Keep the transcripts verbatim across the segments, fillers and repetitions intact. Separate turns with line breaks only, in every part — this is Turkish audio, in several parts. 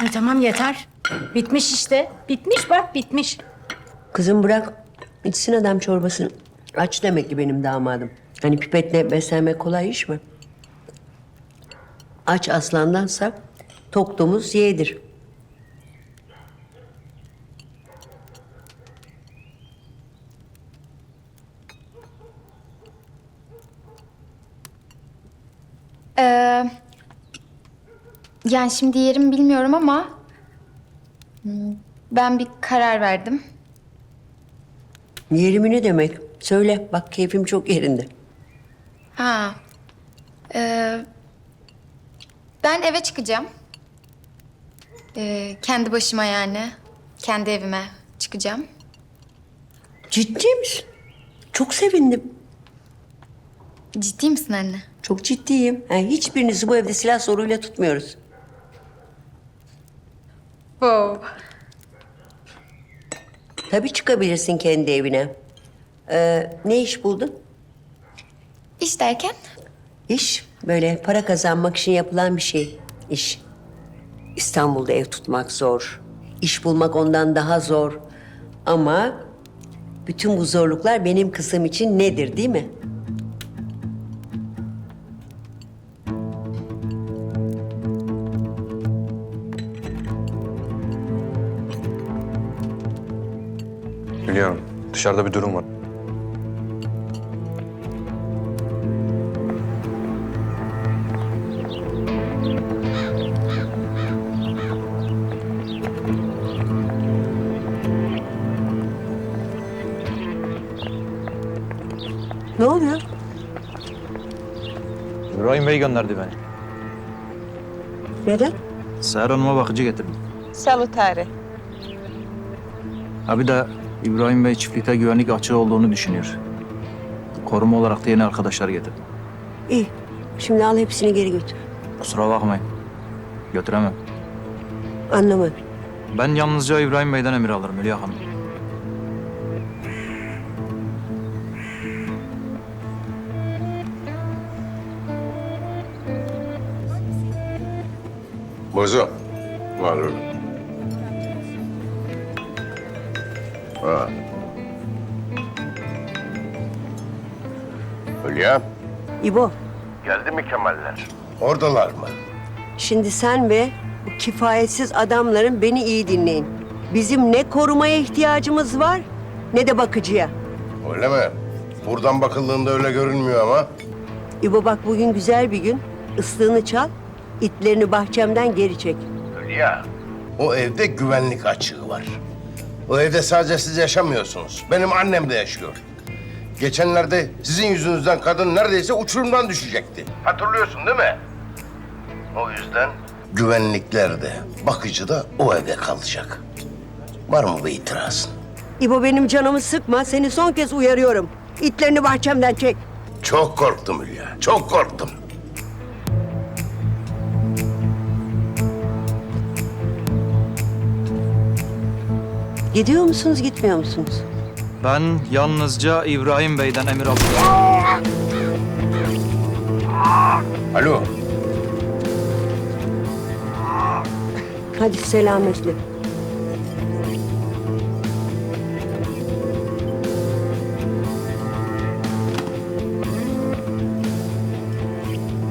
Ay tamam yeter. Bitmiş işte. Bitmiş bak bitmiş.
Kızım bırak içsin adam çorbasını. Aç demek ki benim damadım. Hani pipetle beslenmek kolay iş mi? Aç aslandansa tok domuz yeğdir.
Ee, yani şimdi yerimi bilmiyorum ama hmm, ben bir karar verdim.
Yerimi ne demek? Söyle bak keyfim çok yerinde.
Ha, ee, ben eve çıkacağım. Ee, kendi başıma yani, kendi evime çıkacağım.
Ciddi misin? Çok sevindim.
Ciddi misin anne?
Çok ciddiyim. Yani hiçbirinizi bu evde silah zoruyla tutmuyoruz.
Wow.
Tabii çıkabilirsin kendi evine. Ee, ne iş buldun?
İş derken?
İş böyle para kazanmak için yapılan bir şey. İş. İstanbul'da ev tutmak zor. İş bulmak ondan daha zor. Ama bütün bu zorluklar benim kızım için nedir değil mi?
Biliyorum. Dışarıda bir durum var.
Ne oluyor?
İbrahim Bey gönderdi beni.
Neden?
Seher Hanım'a bakıcı getirdim.
Salutare.
Ha bir de İbrahim Bey çiftlikte güvenlik açığı olduğunu düşünüyor. Koruma olarak da yeni arkadaşlar getirdim.
İyi. Şimdi al hepsini geri götür.
Kusura bakmayın. Götüremem.
Anlamadım.
Ben yalnızca İbrahim Bey'den emir alırım Hülya Hanım.
Bozo. Var öyle. Ha. Hülya.
İbo,
Geldi mi Kemaller? Oradalar mı?
şimdi sen ve bu kifayetsiz adamların beni iyi dinleyin. Bizim ne korumaya ihtiyacımız var ne de bakıcıya.
Öyle mi? Buradan bakıldığında öyle görünmüyor ama.
İbo bak bugün güzel bir gün. Islığını çal, itlerini bahçemden geri çek.
Hülya. O evde güvenlik açığı var. O evde sadece siz yaşamıyorsunuz. Benim annem de yaşıyor. Geçenlerde sizin yüzünüzden kadın neredeyse uçurumdan düşecekti. Hatırlıyorsun değil mi? O yüzden güvenlikler de, bakıcı da o evde kalacak. Var mı bir itirazın?
İbo benim canımı sıkma, seni son kez uyarıyorum. İtlerini bahçemden çek.
Çok korktum Hülya, çok korktum.
Gidiyor musunuz, gitmiyor musunuz?
Ben yalnızca İbrahim Bey'den emir alıyorum.
Alo.
Hadi selametle.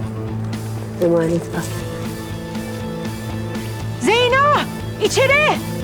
Emanet al.
Zeyno! İçeri!